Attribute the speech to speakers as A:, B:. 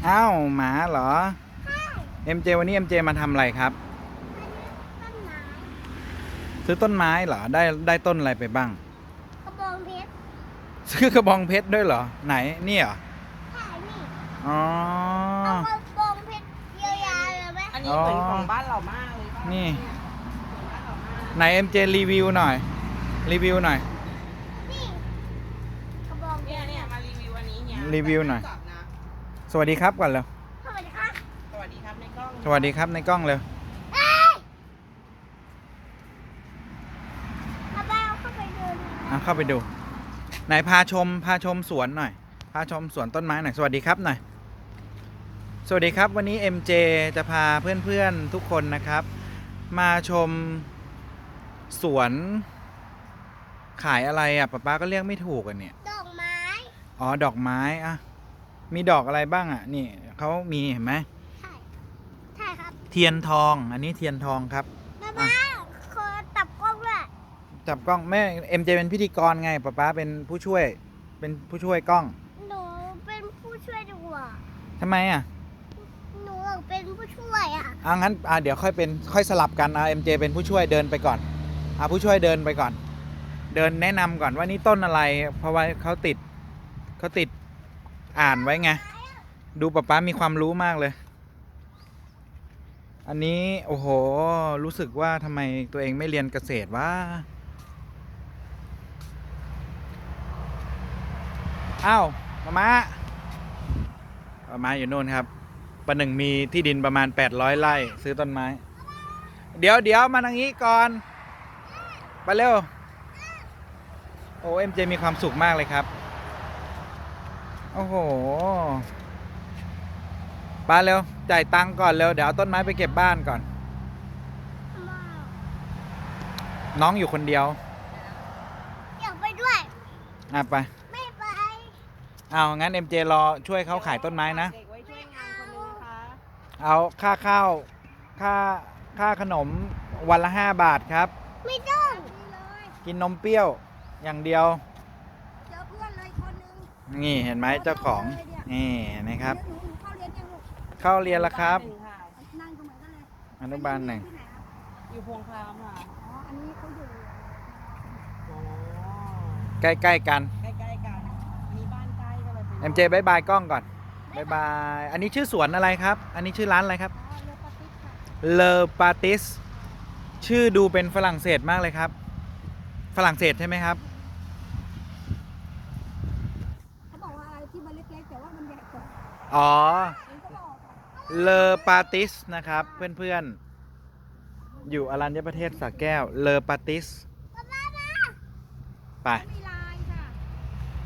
A: อ้าวหมาเหรอ
B: ใช่
A: MJ วันนี้ MJ มาทำอะไรครับ
B: ต้นไม้
A: ซื้อต้นไม้เหรอได้ต้นอะไรไปบ้าง
B: กระบองเพชร
A: ซื้อกระบองเพชรด้วยเหรอไหนนี่เหรอ
B: ใช่นี่
A: อ๋อ
B: เอากระบองเพชรเยอะแยะเลยไหม
C: อันนี้เหมือนของบ้านเรามากเลยป่ะ
A: นี่
C: เหมือนบ้านเรามาก
A: ไหน MJ รีวิวหน่อยรีวิวหน่อย
B: นี่กระบองเพ
C: เนี่ย
B: ชร
C: มารีวิวอันนี้เนี่ย
A: รีวิวหน่อย
C: จับนะ
A: สวัสดีครับก่อนเร็ว
B: สวัสดีค่ะ
C: สวัสดีครับในกล้อง
A: สวัสดีครับในกล้องเร็ว
B: เอ้ยเอาไปเอาเข้าไปเดิน
A: เข้าไปดูไหนพาชมสวนหน่อยพาชมสวนต้นไม้หน่อยสวัสดีครับหน่อยสวัสดีครับวันนี้ MJ จะพาเพื่อนๆทุกคนนะครับ มาชมสวนขายอะไรอ่ะป๊าก็เรียกไม่ถูกอ่ะเนี่ย
B: ดอกไม้
A: อ๋อดอกไม้อ่ะมีดอกอะไรบ้างอ่ะนี่เขามีเห็นไหม
B: ใช่ใช่ครับ
A: เทียนทองอันนี้เทียนทองครับ
B: บ้าขอตับกล้องด้วย
A: จับกล้องแม่ MJ เป็นพิธีกรไงป๊าเป็นผู้ช่วยกล้อง
B: หนูเป็นผู้ช่วยดีกว่า
A: ทำไมอ่ะ
B: หนูอยากเป็นผู้ช่วยอ่ะ
A: งั้นเดี๋ยวค่อยสลับกันMJ เป็นผู้ช่วยเดินไปก่อนผู้ช่วยเดินไปก่อน เดินแนะนำก่อนว่านี่ต้นอะไร เพราะว่าเขาติดอ่านไว้ไงดูป๊ามีความรู้มากเลย อันนี้โอ้โหรู้สึกว่าทำไมตัวเองไม่เรียนเกษตรวะอ้าวมาอยู่โน่นครับประหนึ่งมีที่ดินประมาณ800ไร่ซื้อต้นไม้เดี๋ยวมาทางนี้ก่อนไปเร็วโอ้MJมีความสุขมากเลยครับโอ้โหไปเร็วจ่ายตังค์ก่อนเร็วเดี๋ยวเอาต้นไม้ไปเก็บบ้านก่อนน้องอยู่คนเดียว
B: อยากไปด้วย
A: ไป
B: ไม่ไป
A: งั้นMJรอช่วยเขาขายต้นไม้นะ
C: เด็กไว้ช่วยงานคนนึงนะคะ
A: เอาค่าข้าวค่าขนมวันละ5 บาทครับ
B: ไม่ต้อง
A: กินนมเปรี้ยวอย่างเดียว
B: เจอเพื่อนเลยคนนึง
A: นี่เห็นไหมเจ้าของนี่นะครับ
B: หนูเข้าเรียนยังลูก
A: เข้าเรียนแล้วครับ
C: หนึ่งค่ะ
B: นั่งตรงไหนกันเลย
A: อนุบาล 1
B: ที่ไหนครับ
C: อยู่พวงครามค่ะ
B: อ๋อ อันนี้เขาอยู่
C: อ๋อ
A: ใกล้ๆกัน
C: ใกล้ๆกันมีบ้านใกล้ก็เลยเป็น
A: MJ บายบายกล้องก่อนบายบายอันนี้ชื่อสวนอะไรครับ อันนี้ชื่อร้านอะไรครับ
B: อ๋อเรือปาติสค่ะ
A: เลอปาติสชื่อดูเป็นฝรั่งเศสมากเลยครับ ฝรั่งเศสใช่ไหมครับ
B: เขาบอกว่าอะไรที่มันเล็กๆแต่ว่ามันใหญ่กว่า
A: อ๋อ
B: เองก็บอก
A: เลอปาติสนะครับเพื่อนๆอยู่อรัญญประเทศสระแก้วเลอปาติสไป
B: มี